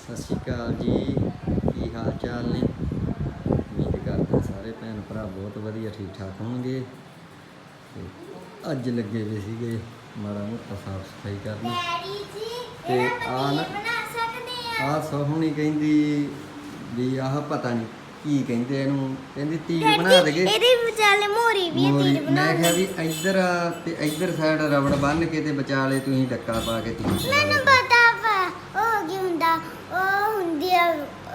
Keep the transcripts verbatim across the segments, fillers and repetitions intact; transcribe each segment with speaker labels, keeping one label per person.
Speaker 1: ਸਤਿ ਸ਼੍ਰੀ ਅਕਾਲ ਜੀ। ਕੀ ਹਾਲ ਚਾਲ ਨੇ? ਉਮੀਦ ਕਰਦਾ ਸਾਰੇ ਭੈਣ ਭਰਾ ਬਹੁਤ ਵਧੀਆ ਠੀਕ ਠਾਕ ਹੋਣਗੇ। ਤੇ ਅੱਜ ਲੱਗੇ ਹੋਏ ਸੀਗੇ ਮਾੜਾ ਮੋਟਾ ਸਾਫ ਸਫਾਈ ਕਰਨ। ਤੇ ਆ ਨਾ ਆਹ ਸੋਹਣੀ ਕਹਿੰਦੀ ਵੀ ਆਹ ਪਤਾ ਨਹੀਂ ਕੀ ਕਹਿੰਦੇ ਇਹਨੂੰ, ਕਹਿੰਦੀ ਤੀਰ ਬਣਾ ਦੇਗੇ।
Speaker 2: ਇਹਦੇ ਵਿਚਾਲੇ ਮੋਰੀ ਵੀ ਹੈ, ਤੀਰ ਬਣਾ।
Speaker 1: ਮੈਂ ਕਿਹਾ ਵੀ ਇੱਧਰ ਤੇ ਇੱਧਰ ਸਾਈਡ ਰਬੜ ਬੰਨ ਕੇ ਤੇ ਵਿਚਾਲੇ ਤੁਸੀਂ ਡੱਕਾ ਪਾ ਕੇ ਤੀਰ ਚਲਾ
Speaker 2: ਮੈਨੂੰ ਪਤਾ ਵਾ ਉਹ ਕੀ ਹੁੰਦਾ, ਉਹ ਹੁੰਦੀ ਆ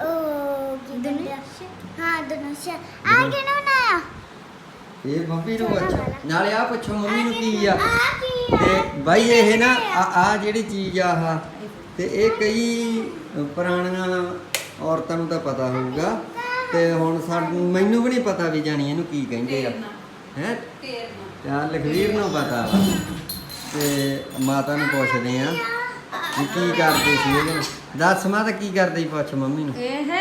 Speaker 2: ਉਹ ਕੀ ਹੁੰਦਾ, ਹਾਂ ਧਨੁਸ਼। ਆ ਕਿਹਨੇ ਬਣਾਇਆ?
Speaker 1: ਇਹ ਮੰਮੀ ਨੂੰ ਅੱਛਾ ਨਾਲੇ ਆ ਪੁੱਛੋ ਮੰਮੀ ਨੂੰ ਕੀ ਆ।
Speaker 2: ਆ ਕੀ ਆ?
Speaker 1: ਤੇ ਬਾਈ ਇਹ ਨਾ ਆ ਜਿਹੜੀ ਚੀਜ਼ ਆ ਆਹ ਤੇ ਇਹ ਕਈ ਪੁਰਾਣੀਆਂ ਔਰਤਾਂ ਨੂੰ ਤਾਂ ਪਤਾ ਹੋਊਗਾ ਤੇ ਹੁਣ ਸਾਨੂੰ ਮੈਨੂੰ ਵੀ ਨਹੀਂ ਪਤਾ ਵੀ ਜਾਣੀ ਇਹਨੂੰ ਕੀ ਕਹਿੰਦੇ ਆ ਹੈ। ਚੱਲ ਲਖਵੀਰ ਨੂੰ ਪਤਾ ਵਾ ਤੇ ਮਾਤਾ ਨੂੰ ਪੁੱਛਦੇ ਆ ਵੀ ਕੀ ਕਰਦੇ ਸੀ ਇਹਦੇ ਨਾਲ। ਦੱਸ ਮਾਤਾ ਕੀ ਕਰਦੇ ਸੀ, ਪੁੱਛ ਮੰਮੀ ਨੂੰ।
Speaker 3: ਇਹ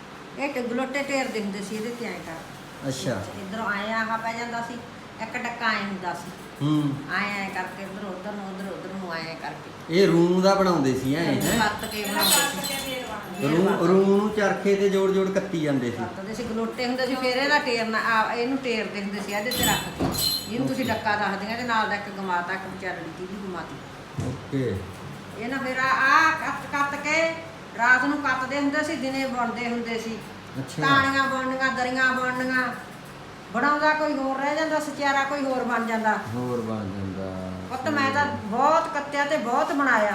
Speaker 3: ਇਹ ਟ- ਗਲੋਟੇ ਢੇਰਦੇ ਹੁੰਦੇ ਸੀ ਇਹਦੇ ਤੇ ਐਂ ਕਰ।
Speaker 1: ਅੱਛਾ
Speaker 3: ਇੱਧਰੋਂ ਆਏ ਆਹ ਪੈ ਜਾਂਦਾ ਸੀ, ਇੱਕ ਡੱਕਾ ਐਂ ਹੁੰਦਾ ਸੀ,
Speaker 1: ਹੂੰ
Speaker 3: ਆਏ ਐਂ ਕਰਕੇ ਇੱਧਰ ਉੱਧਰ ਨੂੰ ਉੱਧਰ ਉੱਧਰ ਨੂੰ ਆਏ ਕਰਕੇ
Speaker 1: ਇਹ ਰੂਮ ਦਾ ਬਣਾਉਂਦੇ ਸੀ ਐ ਹੈ।
Speaker 3: ਕੱਤ ਕੇ ਬਣਾਉਂਦੇ ਸੀ।
Speaker 1: ਰੂਮ ਰੂਮ ਨੂੰ ਚਰਖੇ ਤੇ ਜੋੜ ਜੋੜ ਕੱਤੀ ਜਾਂਦੇ ਸੀ।
Speaker 3: ਕੱਤਦੇ ਸੀ, ਗਲੋਟੇ ਹੁੰਦੇ ਸੀ, ਫਿਰ ਇਹਦਾ ਟੇਰਨਾ ਆ ਇਹਨੂੰ ਟੇਰਦੇ ਹੁੰਦੇ ਸੀ ਇਹਦੇ ਤੇ ਰੱਖ ਕੇ। ਇਹਨੂੰ ਤੁਸੀਂ ਡੱਕਾ ਦੱਸਦੀਆਂ ਤੇ ਨਾਲ ਦਾ ਇੱਕ ਗਮਾਤਾ, ਇੱਕ ਵਿਚਾਰੜੀ ਦੀ ਵੀ ਗਮਾਤੀ।
Speaker 1: ਓਕੇ
Speaker 3: ਇਹ ਨਾ ਫਿਰ ਆ ਆ ਕੱਤ ਕੱਤ ਕੇ ਰਾਤ ਨੂੰ ਕੱਤਦੇ ਹੁੰਦੇ ਸੀ, ਦਿਨੇ ਬੁਣਦੇ ਹੁੰਦੇ ਸੀ।
Speaker 1: ਅੱਛਾ
Speaker 3: ਤਾਣੀਆਂ ਬਣਨੀਆਂ, ਦਰੀਆਂ ਬਣਨੀਆਂ। ਬਣਾਉਂਦਾ ਕੋਈ ਹੋਰ ਰਹਿ ਜਾਂਦਾ, ਸਚਿਆਰਾ ਕੋਈ ਹੋਰ ਬਣ ਜਾਂਦਾ।
Speaker 1: ਹੋਰ ਬਣ ਜਾਂਦਾ
Speaker 3: ਪੁੱਤ ਮੈਂ ਤਾਂ ਬਹੁਤ ਕੱਤਿਆ ਤੇ ਬਹੁਤ ਬਣਾਇਆ।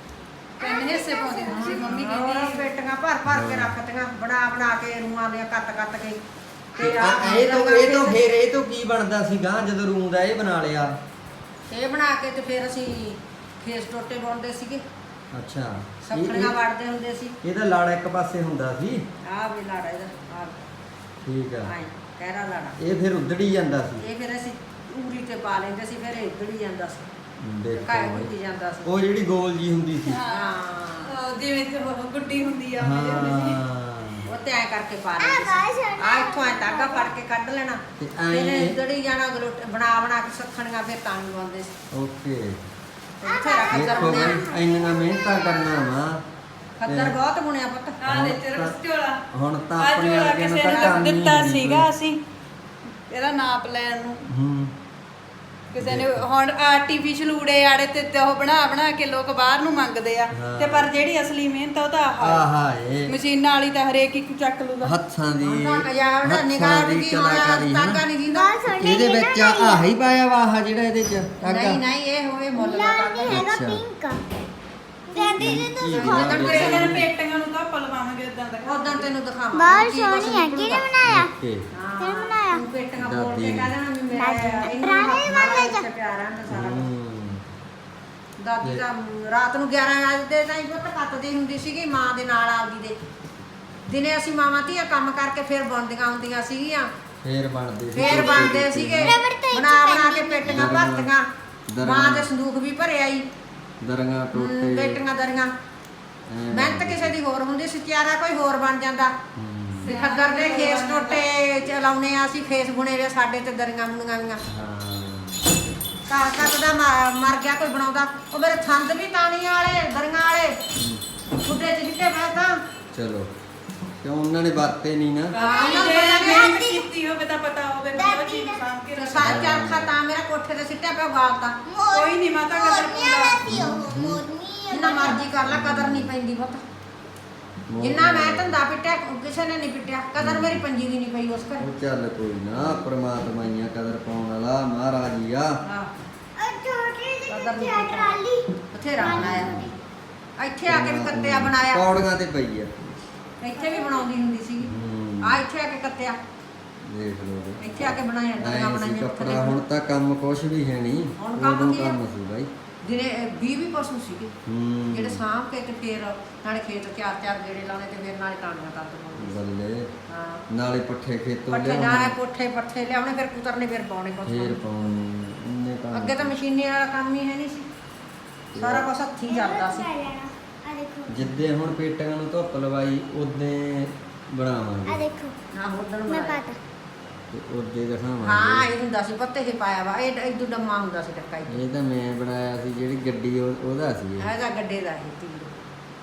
Speaker 4: ਤਿੰਨ ਹਿੱਸੇ ਪਾਉਂਦੀ ਹੁੰਦੀ ਸੀ ਮੰਮੀ
Speaker 3: ਹੋਰ
Speaker 4: ਕਹਿੰਦੀ।
Speaker 3: ਪੇਟੀਆਂ ਭਰ ਭਰ ਕੇ ਰੱਖਤੀਆਂ, ਬਣਾ ਬਣਾ ਕੇ ਰੂਆਂ ਦੀਆਂ ਕੱਟ ਕੱਟ ਕੇ।
Speaker 1: ਤੇ
Speaker 3: ਆਹ
Speaker 1: ਆ- ਇਹ ਤੋਂ ਇਹ ਤੋਂ ਫਿਰ ਇਹ ਤੋਂ ਕੀ ਬਣਦਾ ਸੀਗਾ ਜਦੋਂ ਰੂਮ ਦਾ ਇਹ ਬਣਾ ਲਿਆ?
Speaker 3: ਇਹ ਬਣਾ ਕੇ ਤੇ ਫਿਰ ਅਸੀਂ ਖੇਸ ਟੋਟੇ ਬੁਣਦੇ ਸੀਗੇ,
Speaker 1: ਅੱਛਾ ਇਹ-
Speaker 3: ਸੱਖੜੀਆਂ
Speaker 1: ਇਹ-
Speaker 3: ਵੜਦੇ ਹੁੰਦੇ ਸੀ।
Speaker 1: ਇਹਦਾ ਲਾੜਾ ਇੱਕ ਪਾਸੇ ਹੁੰਦਾ ਸੀ।
Speaker 3: ਆਹ ਵੀ ਲਾੜਾ ਇਹਦਾ, ਆਹ
Speaker 1: ਠੀਕ ਆ
Speaker 3: ਆਏ ਕਹਿਰਾ ਲਾੜਾ।
Speaker 1: ਇਹ ਫਿਰ ਉੱਧੜੀ ਜਾਂਦਾ ਸੀ।
Speaker 3: ਇਹ ਫਿਰ ਅਸੀਂ ਉਂਗਲੀ ਤੇ ਪਾ ਲੈਂਦੇ ਸੀ, ਫਿਰ ਇਹ ਉੱਧੜੀ ਜਾਂਦਾ ਸੀ,
Speaker 1: ਦੇਖੋ
Speaker 3: ਕਾਇ
Speaker 1: ਬਈ।
Speaker 3: ਉੱਧੜੀ ਜਾਂਦਾ ਸੀ।
Speaker 1: ਉਹ ਜਿਹੜੀ ਗੋਲ ਜੀ ਹੁੰਦੀ ਸੀ।
Speaker 3: ਹਾਂ
Speaker 4: ਉਹ ਜਿਵੇਂ ਕਿ ਉਹ ਗੁੱਡੀ ਹੁੰਦੀ ਆ ਉਹਦੇ ਹੁੰਦੀ ਸੀ।
Speaker 1: ਹਾਂ
Speaker 3: ਉਹ ਤੇ ਐ ਕਰਕੇ ਪਾ
Speaker 2: ਆ
Speaker 3: ਲੈਂਦੇ
Speaker 2: ਗਾਇਸ
Speaker 3: ਸੀ। ਆ ਇੱਥੋਂ ਐ ਧਾਗਾ ਫੜ ਕੇ ਕੱਢ ਲੈਣਾ,
Speaker 1: ਤੇ
Speaker 3: ਫਿਰ
Speaker 1: ਐਂ-
Speaker 3: ਉੱਧੜੀ ਜਾਣਾ, ਗਲੋਟ ਬਣਾ ਬਣਾ ਕੇ ਸੱਖਣੀਆਂ, ਫਿਰ ਤਾਂ ਲਵਾਉਂਦੇ ਸੀ।
Speaker 1: ਓਕੇ
Speaker 3: ਤੇ ਬਥੇਰਾ ਖੱਦਰ
Speaker 1: ਦੇਖੋ
Speaker 3: ਬੁਣਿਆ,
Speaker 1: ਬਈ ਇੰਨੀਆਂ ਮਿਹਨਤਾਂ ਕਰਨਾ ਵਾ।
Speaker 3: ਖੱਦਰ ਬਹੁਤ ਬੁਣਿਆ ਪੁੱਤ।
Speaker 4: ਆ ਦੇ ਤੇਰਾ ਝੋਲਾ।
Speaker 1: ਹੁਣ ਤਾਂ
Speaker 4: ਆ
Speaker 1: ਆਪਣੇ
Speaker 4: ਝੋਲਾ
Speaker 1: ਵਰਗੇ ਨੂੰ
Speaker 4: ਕਿਸੇ
Speaker 1: ਤਾਂ
Speaker 4: ਨੇ
Speaker 1: ਕੰਮ ਹੀ
Speaker 4: ਦਿੱਤਾ
Speaker 1: ਨਹੀਂ
Speaker 4: ਸੀਗਾ
Speaker 1: ਕੋਈ।
Speaker 4: ਅਸੀਂ ਇਹਦਾ ਨਾਪ ਲੈਣ ਨੂੰ।
Speaker 1: ਹੂੰ
Speaker 4: ਕਿਸੇ ਨੇ ਹੁਣ ਆਰਟੀਫੀਸ਼ਲ ਊੜੇ ਆੜੇ ਤੇ ਤੇ ਉਹ ਬਣਾ ਬਣਾ ਕੇ ਲੋਕ ਬਾਹਰ ਨੂੰ ਮੰਗਦੇ ਆ।
Speaker 1: ਹਾਂ।
Speaker 4: ਤੇ ਪਰ ਜਿਹੜੀ ਅਸਲੀ ਮਿਹਨਤ ਆ ਉਹ ਤਾਂ ਆਹ
Speaker 1: ਆਹਾ ਇਹ
Speaker 4: ਮਸ਼ੀਨਾਂ ਵਾਲੀ ਤਾਂ ਹਰੇਕ ਇੱਕ ਚੱਕ ਲੂਗਾ।
Speaker 1: ਹੱਥਾਂ ਦੀ
Speaker 3: ਉਹਨਾਂ ਕਜਾੜ
Speaker 1: ਹੱਥਾਂ
Speaker 3: ਨਿਗਾਹ
Speaker 1: ਦੀ
Speaker 3: ਦੀ
Speaker 1: ਕਲਾਕਾਰੀ
Speaker 3: ਤਾਂਗਾ
Speaker 1: ਹੈ।
Speaker 3: ਨਹੀਂ ਜਿੰਦਾ।
Speaker 2: ਗੱਲ ਸੁਣ
Speaker 1: ਇਹਦੇ ਵਿੱਚ ਆਹ ਹੀ ਪਾਇਆ ਵਾ ਆਹ ਜਿਹੜਾ ਇਹਦੇ ਚ ਧਾਗਾ।
Speaker 3: ਨਹੀਂ ਨਹੀਂ ਇਹ ਹੋਵੇ ਮੁੱਲ ਦਾ
Speaker 2: ਲਾਲ ਨਹੀਂ ਹੈਗਾ,
Speaker 1: ਅੱਛਾ।
Speaker 2: ਪਿੰਕ। ਕਹਿੰਦੀ ਜੀ
Speaker 1: ਕੀ
Speaker 2: ਤੁਸੀਂ
Speaker 1: ਬਣਾ
Speaker 2: ਹੋਰ
Speaker 1: ਲਿਆ?
Speaker 4: ਇਹਨਾਂ ਨੇ ਪੇਟੀਆਂ ਨੂੰ ਤਾਂ ਪਲਵਾਵਾਂਗੇ ਇਦਾਂ ਦਾ।
Speaker 3: ਉਦੋਂ ਤੈਨੂੰ ਦਿਖਾਵਾਂ
Speaker 2: ਬਾਹਰ ਸੋਹਣੀ ਹੈ, ਕਿਹਨੇ ਬਣਾਇਆ?
Speaker 1: ਓਕੇ
Speaker 2: ਕਿਹਨੇ ਬਣਾਇਆ?
Speaker 3: ਤੂੰ ਪੇਟੀਆਂ
Speaker 1: ਦਾਦੀ
Speaker 3: ਬੋਲ ਕੇ
Speaker 1: ਨੇ।
Speaker 3: ਕਹਿ ਦੇਣਾ ਵੀ ਮੇਰਾ
Speaker 2: ਦਾਦੀ ਨੇ।
Speaker 3: ਇਹਨੂੰ
Speaker 2: ਪੁਰਾਣੇ
Speaker 3: ਹੱਥ
Speaker 2: ਜ਼ਮਾਨੇ
Speaker 3: ਨਾਲ
Speaker 2: ਚ।
Speaker 3: ਪਿਆਰ ਰਹਿੰਦਾ ਸਾਰਾ ਕੁਛ।
Speaker 1: ਹੂੰ
Speaker 3: ਦਾਦੀ ਤਾਂ ਰਾਤ ਨੂੰ ਗਿਆਰਾਂ ਵਜੇ ਦੇ ਤਾਈਂ ਪੁੱਤ ਕੱਤਦੀ ਹੁੰਦੀ ਸੀਗੀ ਮਾਂ ਦੇ ਨਾਲ ਆਪਦੀ ਦੇ। ਦਿਨੇ ਅਸੀਂ ਮਾਵਾਂ ਧੀਆਂ ਕੰਮ ਕਰਕੇ ਫਿਰ ਬੁਣਦੀਆਂ ਹੁੰਦੀਆਂ ਸੀਗੀਆਂ,
Speaker 1: ਫੇਰ ਬਣਦੇ ਸੀ
Speaker 3: ਫੇਰ
Speaker 1: ਟੋਟੇ
Speaker 3: ਬਣਦੇ
Speaker 1: ਟੋਟੇ।
Speaker 3: ਸੀਗੇ।
Speaker 2: ਰਬੜ ਤਾਂ
Speaker 3: ਬਣਾ ਬਣਾ ਕੇ ਪੇਟੀਆਂ
Speaker 1: ਦਰੀਆਂ।
Speaker 3: ਭਰਤੀਆਂ,
Speaker 1: ਦਰੀਆਂ।
Speaker 3: ਮਾਂ ਦੇ ਸੰਦੂਕ ਵੀ ਭਰਿਆ ਈ,
Speaker 1: ਦਰੀਆਂ ਟੋਟੇ
Speaker 3: ਪੇਟੀਆਂ ਦਰੀਆਂ।
Speaker 1: ਐਂ
Speaker 3: ਮਿਹਨਤ ਕਿਸੇ ਦੀ ਹੋਰ ਹੁੰਦੀ ਸੀ, ਤਿਆਰਾ ਕੋਈ ਹੋਰ ਬਣ ਜਾਂਦਾ।
Speaker 1: ਹੂੰ।
Speaker 3: ਤੇ ਖੱਦਰ ਦੇ ਖੇਸ ਟੋਟੇ ਚਲਾਉਨੇ ਆ ਅਸੀਂ, ਖੇਸ ਬੁਣੇ ਵੇ ਸਾਡੇ ਤੇ ਦਰੀਆਂ ਬੁਣੀਆਂ ਵੀਆਂ।
Speaker 1: ਹਾਂ
Speaker 3: ਘਰ ਘੱਟ ਦਾ ਮ- ਮਰ ਗਿਆ ਕੋਈ ਬਣਾਉਂਦਾ, ਉਹ ਮੇਰੇ ਥੰਦ ਵੀ ਤਾਣੀਆਂ ਵਾਲੇ, ਦਰੀਆਂ ਵਾਲੇ, ਖੁੱਡੇ ਚ ਜਿੱਤੇ ਮੈਂ ਤਾਂ
Speaker 1: ਚਲੋ ਕਿਉਂ ਉਹਨਾਂ ਨੇ ਵਰਤੇ ਨਹੀਂ ਨਾ।
Speaker 3: ਹਾਂ,
Speaker 4: ਜੇ
Speaker 3: ਉਹਨਾਂ ਨੂੰ
Speaker 4: ਮਿਹਨਤ ਕੀਤੀ ਹੋਵੇ ਤਾਂ ਪਤਾ ਹੋਵੇ ਵੀ ਉਹ ਚੀਜ਼ ਸਾਂਭ ਕੇ
Speaker 3: ਤੇ
Speaker 4: ਰੱਖਣੀ।
Speaker 3: ਸਾਰ ਚਰਖਾ ਤਾਂ ਮੇਰਾ ਕੋਠੇ ਤੇ ਸਿੱਟਿਆ ਪਿਆ ਗਾਲਤਾ।
Speaker 4: ਕੋਈ ਨਹੀਂ ਮਾਤਾ ਕਦਰ
Speaker 2: ਮੋਰਨੀਆਂ
Speaker 4: ਪਾਉਂਦਾ।
Speaker 2: ਦਾ ਸੀ ਉਹ, ਮੋਰਨੀ
Speaker 3: ਜਿੰਨਾ ਮਰਜ਼ੀ ਕਰ ਲੈ, ਕਦਰ ਨਹੀਂ ਪੈਂਦੀ ਪੁੱਤ। ਜਿੰਨਾ ਮੈਂ ਧੰਦਾ ਪਿੱਟਿਆ ਕਿਸੇ ਨੇ ਨਹੀਂ ਪਿੱਟਿਆ, ਕਦਰ ਮੇਰੀ ਪੰਜੀ ਦੀ ਨਹੀਂ ਪਈ ਉਸ ਘਰ।
Speaker 1: ਉਹ ਚੱਲ ਕੋਈ ਨਾ, ਪ੍ਰਮਾਤਮਾ ਹੀ ਆ ਕਦਰ ਪਾਉਣ ਵਾਲਾ, ਮਹਾਰਾਜ ਹੀ ਆ।
Speaker 3: ਹਾਂ,
Speaker 2: ਉਹ ਛੋਟੀ ਜਿਹੀ
Speaker 3: ਕਦਰ ਨਹੀਂ
Speaker 2: ਕਿੱਥੇ ਟਰਾਲੀ?
Speaker 3: ਬਥੇਰਾ ਬਣਾਇਆ। ਇੱਥੇ ਆ ਕੇ ਵੀ ਕੱਤਿਆ ਬਣਾਇਆ,
Speaker 1: ਪੌੜੀਆਂ ਤੇ ਪਈ ਆ।
Speaker 3: ਇੱਥੇ ਵੀ ਬਣਾਉਂਦੀ ਹੁੰਦੀ ਸੀਗੀ।
Speaker 1: ਹੂੰ।
Speaker 3: ਆ ਇੱਥੇ ਆ ਕੇ ਕੱਤਿਆ,
Speaker 1: ਦੇਖ ਲਓ ਜੀ।
Speaker 3: ਇੱਥੇ ਆ ਕੇ ਬਣਾਇਆ, ਦਰੀਆਂ
Speaker 1: ਐਂ ਸੀ
Speaker 3: ਬਣਾਈਆਂ
Speaker 1: ਕੱਪੜਾ, ਹੁਣ ਤਾਂ ਕੰਮ ਕੁਛ ਵੀ ਹੈ ਨਹੀਂ।
Speaker 3: ਹੁਣ ਕੰਮ
Speaker 1: ਉਦੋਂ
Speaker 3: ਕੀ ਆ?
Speaker 1: ਕੰਮ ਸੀ ਬਾਈ।
Speaker 3: ਦਿਨੇ ਵੀਹ ਵੀਹ ਪਸ਼ੂ ਸੀਗੇ
Speaker 1: ਹੂੰ
Speaker 3: ਜਿਹੜੇ ਸਾਂਭ ਕੇ ਤੇ ਫਿਰ ਨਾਲੇ ਖੇਤ ਚਾਰ ਚਾਰ ਗੇੜੇ ਲਾਉਣੇ ਤੇ ਫਿਰ ਨਾਲੇ ਕਾਣੀਆਂ ਕਰ ਦਿੰਦੇ।
Speaker 1: ਬੱਲੇ
Speaker 3: ਹਾਂ,
Speaker 1: ਨਾਲੇ ਪੱਠੇ ਖੇਤੋਂ
Speaker 3: ਪੱਠੇ ਨਾਲੇ
Speaker 1: ਲਿਆਉਣੇ,
Speaker 3: ਪੋਠੇ ਪੱਠੇ ਲਿਆਉਣੇ, ਫਿਰ ਕੁਤਰਨੇ, ਫਿਰ ਪਾਉਣੇ ਕੁਛ
Speaker 1: ਫੇਰ
Speaker 3: ਪਾਉਣੇ।
Speaker 1: ਪਾਉਣੇ, ਇੰਨੇ ਕੰਮ।
Speaker 3: ਅੱਗੇ ਤਾਂ ਮਸ਼ੀਨੀ ਵਾਲਾ ਕੰਮ ਹੀ ਹੈ ਨਹੀਂ ਸੀ, ਸਾਰਾ ਕੁਛ ਹੱਥੀਂ ਚੱਲਦਾ ਸੀ।
Speaker 2: ਆ ਦੇਖੋ,
Speaker 1: ਜਿੱਦੇ ਹੁਣ ਪੇਟੀਆਂ ਨੂੰ ਧੁੱਪ ਲਵਾਈ ਉਦੇ ਬਣਾਵਾਂਗੇ
Speaker 2: ਆ ਦੇਖੋ,
Speaker 3: ਨਾ ਹੋਦਣ
Speaker 2: ਮੈਂ
Speaker 3: ਬਣਾਇਆ।
Speaker 2: ਪਤਾ।
Speaker 1: ਤੇ ਉਦੇ ਦਿਖਾਵਾਂਗੇ।
Speaker 3: ਹਾਂ, ਇਹ ਹੁੰਦਾ ਸੀ ਪੱਤੇ ਹੀ ਪਾਇਆ ਵਾ, ਇਹ ਇਦੋਂ ਡੰਮਾ ਹੁੰਦਾ ਸੀ ਡੱਕਾ ਹੀ।
Speaker 1: ਇਹ ਤਾਂ ਮੈਂ ਬਣਾਇਆ ਸੀ, ਜਿਹੜੀ ਗੱਡੀ ਉਹ- ਉਹਦਾ ਸੀ ਇਹ।
Speaker 3: ਹੈਗਾ ਗੱਡੇ ਦਾ ਇਹ ਤੀਰ।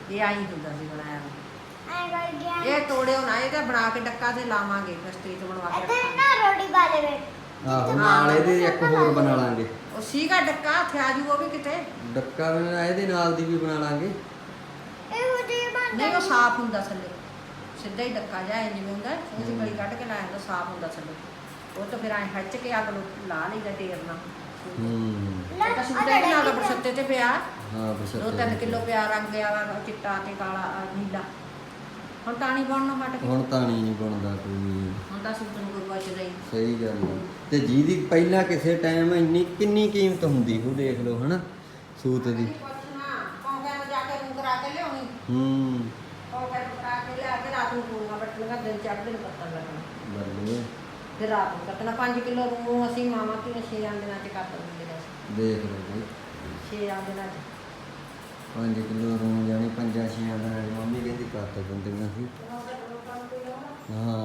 Speaker 3: ਇਹ ਆਈ ਹੁੰਦਾ ਸੀ ਬਣਾਇਆ
Speaker 2: ਐ ਕਰ ਗਿਆ
Speaker 3: ਇਹ ਤੋੜਿਓ ਨਾ, ਇਹਦਾ ਬਣਾ ਕੇ ਡੱਕਾ ਤੇ ਲਾਵਾਂਗੇ ਕਸਟਰੀ ਤੇ ਬਣਵਾ ਕੇ
Speaker 2: ਇੱਥੇ
Speaker 3: ਰੱਖਾਂਗੇ।
Speaker 2: ਨਾ ਰੋਟੀ ਬਾਲੇ ਵੇ
Speaker 1: ਆਹੋ ਨਾਲ ਇਹਦੇ ਇੱਕ ਹੋਰ ਬਣਾ ਲਾਂਗੇ
Speaker 3: ਉਹ ਸੀਗਾ ਡੱਕਾ ਹੱਥ ਆ ਜੂ ਉਹ ਵੀ ਕਿਤੇ
Speaker 1: ਡੱਕਾ ਵੀ ਨਾ ਇਹਦੇ ਨਾਲ ਦੀ ਵੀ ਬਣਾ ਲਾਂਗੇ
Speaker 2: ਇਹੋ ਜਿਹੇ ਬਣ
Speaker 3: ਨਹੀਂ ਉਹ ਸਾਫ਼ ਹੁੰਦਾ ਥੱਲੇ ਸਿੱਧਾ ਹੀ ਡੱਕਾ ਜਾਏ ਜਿਵੇਂ ਹੁੰਦਾ ਉਹ ਚ ਗਲੀ ਕੱਢ ਕੇ ਲਾਇਆ ਹੁੰਦਾ ਸਾਫ਼ ਹੁੰਦਾ ਥੱਲੇ ਉਹ ਤਾਂ ਫਿਰ ਐਂ ਖੱਚ ਕੇ ਅੱਗ ਨੂੰ ਲਾ ਲਈਦਾ ਟੇਰ ਨਾਲ
Speaker 1: ਹੂੰ
Speaker 3: ਇਹ ਤਾਂ ਸੁੱਟੇ ਵੀ ਨਾਲ ਬਰਸੱਤੇ ਤੇ ਪਿਆ
Speaker 1: ਹਾਂ
Speaker 3: ਦੋ
Speaker 1: ਬਸ
Speaker 3: ਤਿੰਨ ਕਿਲੋ ਪਿਆ ਰੰਗ ਵਾਲਾ ਚਿੱਟਾ ਤੇ ਕਾਲਾ ਆਹ ਨੀਲਾ ਹੁਣ ਤਾਣੀ ਬਣਨਾ ਹਟ ਗਈ
Speaker 1: ਹੁਣ ਤਾਂ ਨਹੀਂ ਬਣਦਾ ਕੋਈ
Speaker 3: ਹੁਣ ਤਾਂ ਸੂਟ ਨੂੰ ਕੋਈ ਬਚਦਾ ਹੀ
Speaker 1: ਸਹੀ ਗੱਲ ਹੈ। ਤੇ ਜਿਹਦੀ ਪਹਿਲਾਂ ਕਿਸੇ ਟਾਈਮ ਇੰਨੀ ਕਿੰਨੀ ਕੀਮਤ ਹੁੰਦੀ ਉਹ ਦੇਖ ਲਓ ਹਨਾ ਸੂਤ ਦੀ
Speaker 3: ਪੁੱਛਣਾ ਕੌਂਕੇ ਨੂੰ ਜਾ ਕੇ ਰੂੰ ਕਰਾ ਕੇ ਲਿਆਉਣੀ
Speaker 1: ਹੂੰ
Speaker 3: ਕੌਂਕੇ ਨੂੰ ਕਰਾ ਕੇ ਲਿਆ ਕੇ ਰਾਤ ਨੂੰ ਪੂਰੀਆਂ ਬੱਟੀਆਂ ਦਿਨ ਚੜ੍ਹਦੇ ਨੂੰ ਕੱਟਣ ਲੱਗਣਾ
Speaker 1: ਬੱਲੇ
Speaker 3: ਫਿਰ ਰਾਤ ਨੂੰ ਕੱਟਣਾ ਪੰਜ ਕਿਲੋ ਰੂੰ ਅਸੀਂ ਮਾਵਾਂ ਧੀਆਂ ਛੇ ਆਂਦਿਆਂ ਚ ਕੱਟ ਦਿੰਦੇ ਸੀ
Speaker 1: ਦੇਖ ਲਓ ਬਈ
Speaker 3: ਛੇ ਆਂਦਿਆਂ ਚ
Speaker 1: ਪੰਜ ਕਿਲੋ ਰੂੰ ਜਾਣੀ ਪੰਜਾਂ ਛੇਆਂ ਦਾ ਮੰਮੀ ਕਹਿੰਦੀ ਕੱਟ ਦਿੰਦੀਆਂ ਸੀ ਹਾਂ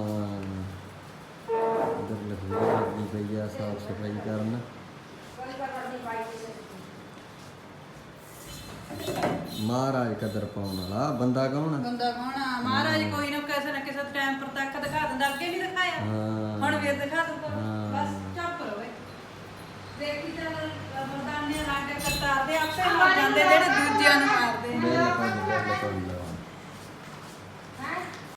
Speaker 1: ਉਧਰ ਲੱਗੀ ਪਈ ਆ ਸਾਫ ਸਫਾਈ ਕਰਨ ਮਹਾਰਾਜ ਕਦਰ ਪਾਉਣ ਵਾਲਾ ਬੰਦਾ ਕੌਣ ਆ?
Speaker 4: ਬੰਦਾ ਕੌਣ ਆ ਮਹਾਰਾਜ ਕੋਈ ਨਾ ਕਿਸੇ ਨਾ ਕਿਸੇ ਟਾਈਮ ਪਰ ਤੱਕ ਦਿਖਾ ਦਿੰਦਾ ਅੱਗੇ ਵੀ ਦਿਖਾਇਆ
Speaker 1: ਹਾਂ।
Speaker 4: ਹੁਣ ਵੀ ਦਿਖਾ ਦੂਗਾ
Speaker 1: ਹਾਂ।
Speaker 4: ਬਸ ਚੁੱਪ ਰਹੋ ਦੇਖੀ ਚੱਲ ਮਰਦਾਨੇ ਲਾਗੇ ਕਰਤਾਰ ਦੇ ਆਪੇ ਮਰ ਜਾਂਦੇ ਜਿਹੜੇ ਦੂਜਿਆਂ ਨੂੰ ਮਾਰਦੇ
Speaker 1: ਬਿਲਕੁਲ ਬਿਲਕੁਲ